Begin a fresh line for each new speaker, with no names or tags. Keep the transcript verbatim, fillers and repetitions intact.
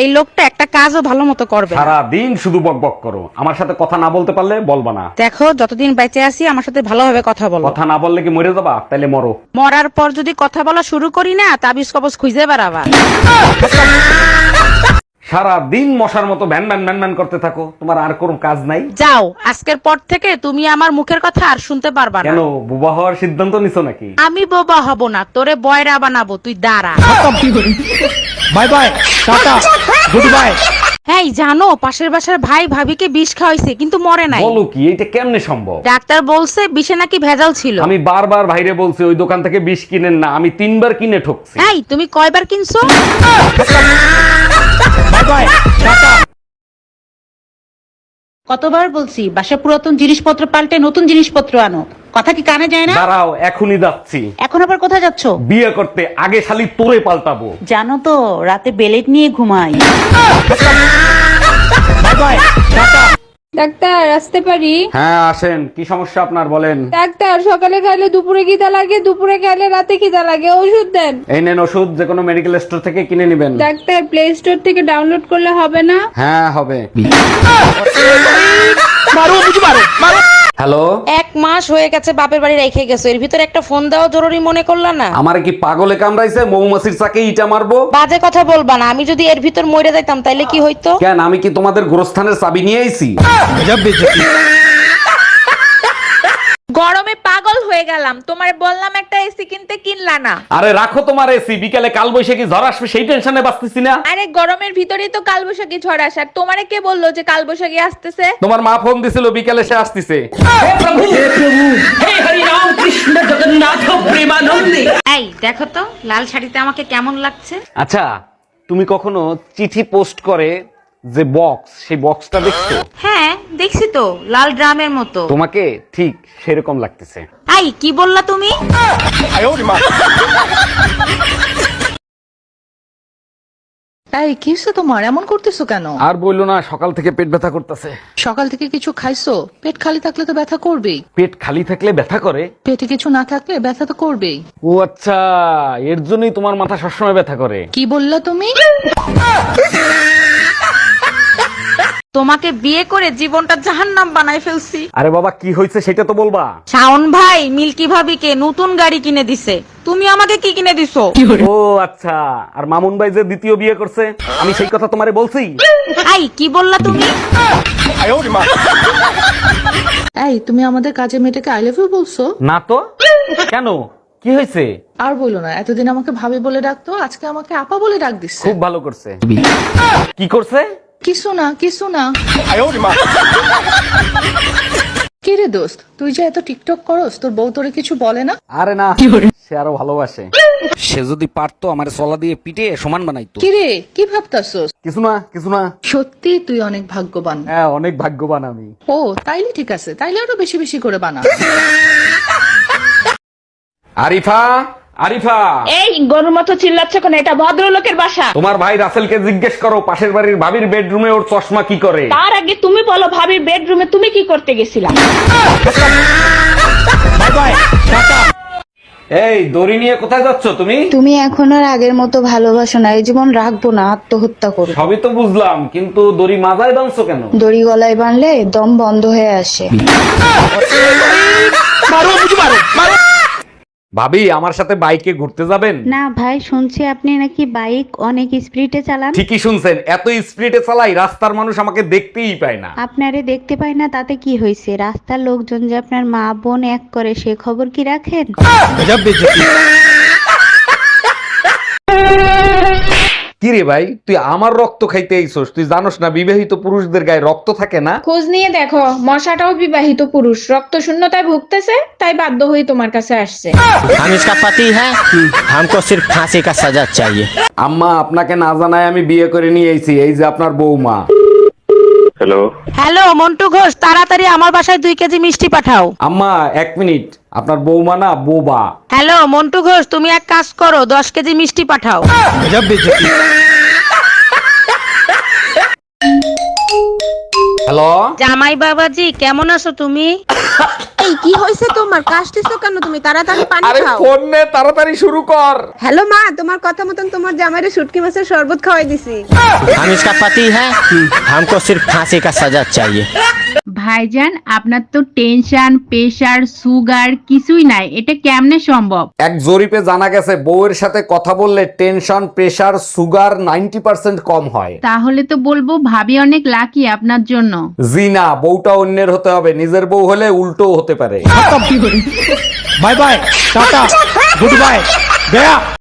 এই লোকটা একটা কাজও ভালো মতো করবে না।
সারা দিন শুধু বকবক করো, আমার সাথে কথা না বলতে পারলে বলবা না।
দেখো যতদিন বেঁচে আছি আমার সাথে ভালোভাবে কথা বলো।
কথা না বললে কি মরে যাবা? তাইলে মরো।
মরার পর যদি কথা বলা শুরু করি না, তাবিজ কবজ খুঁজে বেড়াবা।
সারা দিন মশার মতো ভ্যান ভ্যান ভ্যান ভ্যান করতে থাকো, তোমার আর কোনো কাজ নাই?
যাও, আজকের পর থেকে তুমি আমার মুখের কথা আর শুনতে পারবা না।
কেন, বুবা হওয়ার সিদ্ধান্ত নিছো নাকি?
আমি বোবা হব না, তোরে বয়রা বানাবো, তুই দাঁড়া।
Bye bye, tata, goodbye.
এই জানো, পাশের বাসার ভাই ভাবিকে বিষ খাওয়াইছে কিন্তু মরে নাই।
বলো কি, এটা কেমনে সম্ভব?
ডাক্তার বলছে বিষে নাকি ভেজাল ছিল।
আমি বারবার ভাইরে বলছি ওই দোকান থেকে বিষ কিনেন না, আমি তিনবার কিনে ঠকছি।
এই তুমি কয়বার কিনছো?
Bye bye, tata.
কতবার বলছি বাসা পুরাতন জিনিসপত্র পাল্টে নতুন জিনিসপত্র আনো, কথা কি কানে যায় না?
দাঁড়াও, এখনই যাচ্ছি।
এখন আবার কোথায় যাচ্ছ?
বিয়ে করতে, আগে শালি তোরে পাল্টাবো।
জানো তো রাতে বেলেট নিয়ে ঘুমাই।
By bye, tata.
ডাক্তার আসতে পারি?
হ্যাঁ আসেন, কি সমস্যা আপনার বলেন।
ডাক্তার সকালে খাইলে দুপুরে খিদা লাগে, দুপুরে খাইলে রাতে খিদা লাগে, ওষুধ দেন।
এই নেন ওষুধ, যে কোনো মেডিকেল স্টোর থেকে কিনে নেবেন।
ডাক্তার প্লে স্টোর থেকে ডাউনলোড করলে হবে না?
হ্যাঁ হবে।
মারো, বুঝি মারো, মারো।
হ্যালো,
এক মাস হয়ে গেছে বাপের বাড়ি রেখে গেছো, এর ভিতরে একটা ফোন দেওয়া জরুরি মনে করলা না?
আমার কি পাগলে কামড়াইছে? মৌমাছির চাকে ইটা মারবো?
বাজে কথা বলবা না, আমি যদি এর ভিতর মরে যাইতাম তাইলে কি হইতো?
কেন, আমি কি তোমাদের গোরস্থানের চাবি নিয়ে আইছি?
গজব বেজতি।
গরমে পাগল হয়ে গেলাম, তোমারে বললাম একটা এসি কিনতে, কিনলা না।
আরে রাখো তোমার এসি, বিকালে কাল বৈশাখী ঝড় আসবে সেই টেনশনে বাঁচতেছি না।
আরে গরমের ভিতরেই তো কালবৈশাখী ঝড় আসার, তোমারে কে বললো যে কালবৈশাখী আসতেছে?
তোমার মা ফোন দিছিল বিকালে সে আসতেছে।
এই দেখো তো লাল শাড়িতে আমাকে কেমন লাগছে?
আচ্ছা, তুমি কখনো চিঠি পোস্ট করে যে বক্স, সেই বক্সটা দেখছো?
হ্যাঁ দেখছি তো, লাল ড্রামের মতো।
তোমাকে ঠিক সেরকম লাগতেছে।
এই কি বললা তুমি?
এই কি হইছে তোমার, এমন করতেছো কেন?
আর বললো না, সকাল থেকে পেট ব্যথা করতেছে।
সকাল থেকে কিছু খাইছো? পেট খালি থাকলে তো ব্যথা করবেই।
পেট খালি থাকলে ব্যথা করে?
পেটে কিছু না থাকলে ব্যথা তো করবেই।
ও আচ্ছা, এর জন্যই তোমার মাথা সবসময় ব্যথা করে।
কি বললা তুমি?
তোমাকে বিয়ে করে জীবনটা জাহান্নাম বানাই ফেলছি।
আরে বাবা, কি হয়েছে সেটা তো বলবা।
শাওন ভাই মিল্কি ভাবিকে নতুন গাড়ি কিনে দিছে, তুমি আমাকে কি কিনে দিছো?
ও আচ্ছা, আর মামুন ভাই যে দ্বিতীয় বিয়ে করছে, আমি সেই কথা তোমারে বলছি।
এই কি বললা তুমি?
এই তুমি আমাদের কাজের মেয়েটাকে আই লাভ ইউ বলছো?
না তো, কেন, কি হয়েছে?
আর বলো না, এতদিন আমাকে ভাবি বলে ডাকতো, আজকে আমাকে আপা বলে ডাক দিচ্ছে।
খুব ভালো করছে। কি করছে?
কিছু না কিছু না। কি রে দোস্ত, তুই যে এত টিকটক করস, তোর বউ তোরে কিছু বলে না?
আরে না, সে আরো ভালোবাসে। সে যদি পারতো আমার সলা দিয়ে পিটে সমান বানাইতো।
কি রে, কি ভাবতাছস?
কিছু না কিছু না।
সত্যি তুই অনেক ভাগ্যবান।
হ্যাঁ, অনেক ভাগ্যবান আমি।
ও তাইলে ঠিক আছে, তাইলে আরো বেশি বেশি করে বানা।
আরিফা, আরিফা,
এই গরুর মতো চিল্লাচ্ছ কেন? এটা ভদ্রলোকের বাসা।
তোমার ভাই রাসেলকে জিজ্ঞেস করো পাশের বাড়ির ভাবির বেডরুমে ওর চশমা কি করে।
তার আগে তুমি বলো, ভাবির বেডরুমে তুমি কি করতে গেছিলা?
Bye bye, tata.
এই দড়ি নিয়ে কোথায় যাচ্ছ তুমি?
তুমি এখন আর আগের মতো ভালোবাসো না, এই জীবন রাখবো না, আত্মহত্যা করো।
সবই তো বুঝলাম, কিন্তু দড়ি মাথায় বাঁধছো কেন?
দড়ি গলায় বাঁধলে দম বন্ধ হয়ে আসে।
মারো, বুঝি মারো, মারো।
ভাবি, আমার সাথে বাইকে ঘুরতে যাবেন?
না ভাই, শুনছি আপনি নাকি বাইক অনেক স্পিডে চালান।
ঠিকই শুনছেন, এত স্পিডে চালাই রাস্তার মানুষ আমাকে দেখতেই পায় না।
আপনারে দেখতে পাই না তাতে কি হয়েছে, রাস্তার লোকজন যে আপনার মা বোন এক করে সে খবর কি রাখেন?
গজব বেজতি।
কি রে ভাই, তুই আমার রক্ত খাইতে আইছস? তুই জানোস না বিবাহিত পুরুষদের গায়ে রক্ত থাকে না?
খোঁজ নিয়ে দেখো, মশাটাও বিবাহিত পুরুষ, রক্ত শূন্যতায় ভুগতেছে, তাই বাধ্য হয়ে তোমার কাছে আসছে।
हम इसका पति है, हमको सिर्फ फांसी का सजा चाहिए।
আম্মা, আপনাকে না জানায় আমি বিয়ে করে নিয়ে আইছি, এই যে আপনার বৌমা।
হ্যালো,
হ্যালো মন্টু ঘোষ, তাড়াতাড়ি আমার বাসায় দুই কেজি মিষ্টি পাঠাও।
আম্মা এক মিনিট, আপনার বৌমা না বোবা।
হ্যালো মন্টু ঘোষ, তুমি এক কাজ করো, দশ কেজি মিষ্টি পাঠাও।
गजब बेजती।
হ্যালো,
জামাই বাবাজি কেমন আছো তুমি?
এই কি হয়েছে তোমার? কাশতেছো কেন তুমি? তাড়াতাড়ি পানি
আরে
খাও।
ফোন নে, তাড়াতাড়ি শুরু কর।
হ্যালো মা, তোমার কথা মতন তোমার জামাইরে শুটকি মাছের শরবত খাওয়াই দিছি।
हम इसका पति है, हमको सिर्फ फांसी का सजा चाहिए।
ভাইজান, আপনার তো টেনশন, প্রেশার, সুগার কিছুই নাই, এটা কেমনে সম্ভব?
এক জরিপে জানা গেছে বউয়ের সাথে কথা বললে tension, pressure, sugar ninety percent কম হয়।
তাহলে তো বলবো ভাবি অনেক লাকি আপনার জন্য।
জি না, বউটা অন্যের হতে হবে, নিজের বউ হলে উল্টো হতে পারে।
Bye bye, tata, goodbye, गया।